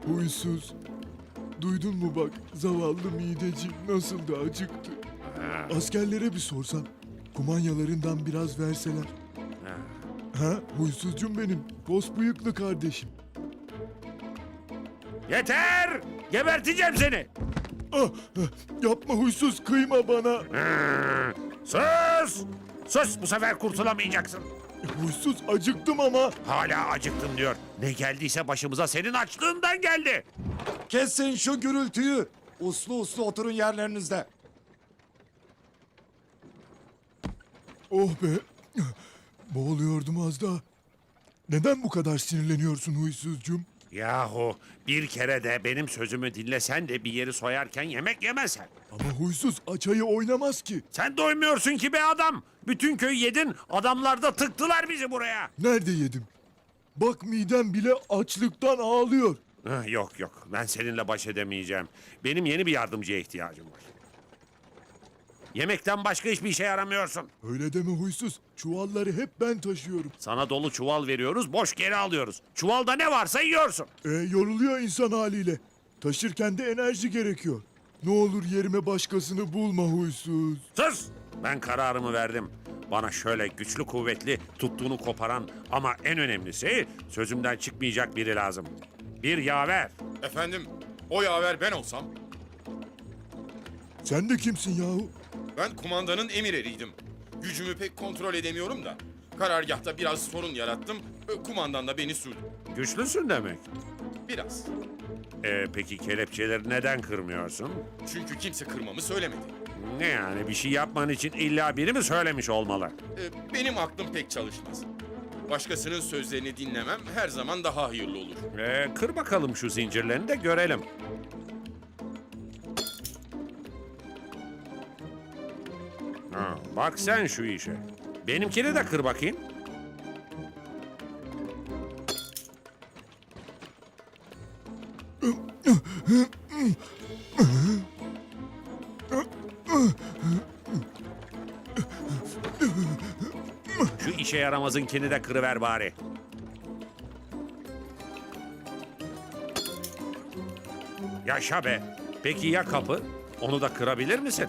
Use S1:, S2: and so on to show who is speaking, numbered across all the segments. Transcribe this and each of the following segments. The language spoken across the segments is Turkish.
S1: Huysuz. Duydun mu bak, zavallı mideci nasıl da acıktı. Askerlere bir sorsan, kumanyalarından biraz verseler. Ha, huysuzcum benim, pos bıyıklı kardeşim.
S2: Yeter! Geberteceğim seni!
S1: Ah, yapma huysuz, kıyma bana.
S2: Sus! Sus! Bu sefer kurtulamayacaksın.
S1: Huysuz, acıktım ama.
S2: Hala acıktım diyor. Ne geldiyse başımıza senin açlığından geldi.
S3: Kesin şu gürültüyü. Uslu uslu oturun yerlerinizde.
S1: Oh be, boğuluyordum az daha. Neden bu kadar sinirleniyorsun huysuzcum?
S2: Yahu bir kere de benim sözümü dinlesen de bir yeri soyarken yemek yemesen.
S1: Ama huysuz açayı oynamaz ki.
S2: Sen doymuyorsun ki be adam. Bütün köyü yedin, adamlar da tıktılar bizi buraya.
S1: Nerede yedim? Bak midem bile açlıktan ağlıyor.
S2: Yok yok, ben seninle baş edemeyeceğim. Benim yeni bir yardımcıya ihtiyacım var. Yemekten başka hiçbir işe yaramıyorsun.
S1: Öyle deme huysuz. Çuvalları hep ben taşıyorum.
S2: Sana dolu çuval veriyoruz, boş geri alıyoruz. Çuvalda ne varsa yiyorsun.
S1: Yoruluyor insan haliyle. Taşırken de enerji gerekiyor. Ne olur yerime başkasını bulma huysuz.
S2: Sus! Ben kararımı verdim. Bana şöyle güçlü kuvvetli, tuttuğunu koparan ama en önemlisi sözümden çıkmayacak biri lazım. Bir yaver.
S4: Efendim, o yaver ben olsam,
S1: Sen de kimsin yahu?
S4: ben kumandanın emir eriydim. Gücümü pek kontrol edemiyorum da. Karargahta biraz sorun yarattım, kumandan da beni sürdü.
S2: Güçlüsün demek.
S4: Biraz.
S2: Peki kelepçeleri neden kırmıyorsun?
S4: Çünkü kimse kırmamı söylemedi.
S2: Ne yani bir şey yapman için illa biri mi söylemiş olmalı?
S4: Benim aklım pek çalışmaz. Başkasının sözlerini dinlemem her zaman daha hayırlı olur.
S2: Kır bakalım şu zincirlerini de görelim. Ha, bak sen şu işe. Benimkini de kır bakayım. Şu işe yaramazınkini de kırıver bari. Yaşa be. Peki ya kapı? Onu da kırabilir misin?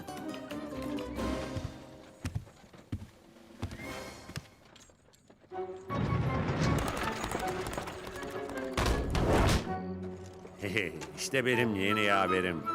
S2: İşte benim yeni yaverim.